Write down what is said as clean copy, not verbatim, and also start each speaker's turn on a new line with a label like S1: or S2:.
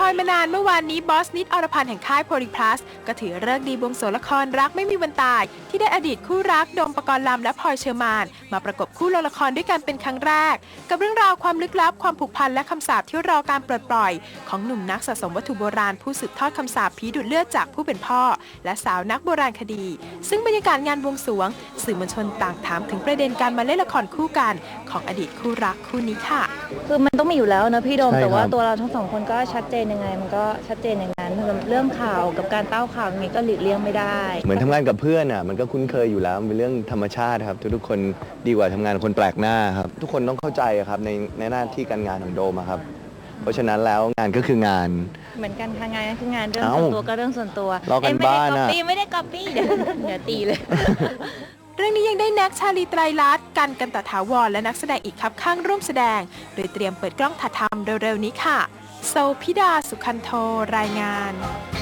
S1: อยมานานเมื่อวานนี้บอสนิดอรพันธ์แห่งค่ายโพลีพลัสก็ถือฤกษ์ดีบวงสรวงละครรักไม่มีวันตายที่ได้อดีตคู่รักโดมปกรณ์ลำและพลอยเชอร์มานมาประกบคู่ลงละครด้วยกันเป็นครั้งแรกกับเรื่องราวความลึกลับความผูกพันและคำสาปที่รอการปลดปล่อยของหนุ่มนักสะสมวัตถุโบราณผู้สืบทอดคำสาปผีดูดเลือดจากผู้เป็นพ่อและสาวนักโบราณคดีซึ่งบรรยากาศงานบวงสรวงสื่อมวลชนต่างถามถึงประเด็นการมาเล่นละครคู่กันของอดีตคู่รักคู่นี้ค่ะ
S2: คือมันต้องมีอยู่แล้วนะพี่โดมแต่ว่าตัวเราทั้งสองคนก็ชัดเจนยังไงมันก็ชัดเจนอย่างนั้นเรื่องข่าวกับการเต้าข่าวอย่างนี้ก็หลีกเลี่ยงไม่ได้
S3: เหมือนทำงานกับเพื่อนอ่ะมันก็คุ้นเคยอยู่แล้วเป็นเรื่องธรรมชาติครับทุกคนดีกว่าทำงานกับคนแปลกหน้าครับทุกคนต้องเข้าใจครับในหน้าที่การงานของโดมครับเพราะฉะนั้นแล้วงานก็คืองาน
S2: เหมือนกันทางงานก็คืองานเรื่องส่วนตัวก็เรื่องส่วนตัว
S3: รอกันบ้านนะ
S2: ไม่ได้ก๊อปปี้เดี๋ยวตีเลย
S1: เรื่องนี้ยังได้แน็กชาลีไตรลัตน์กันตถาวรและนักแสดงอีกครับข้างร่วมแสดงโดยเตรียมเปิดกล้องถ่ายทำเร็วๆนี้ค่ะโซพิดาสุขันโทรายงาน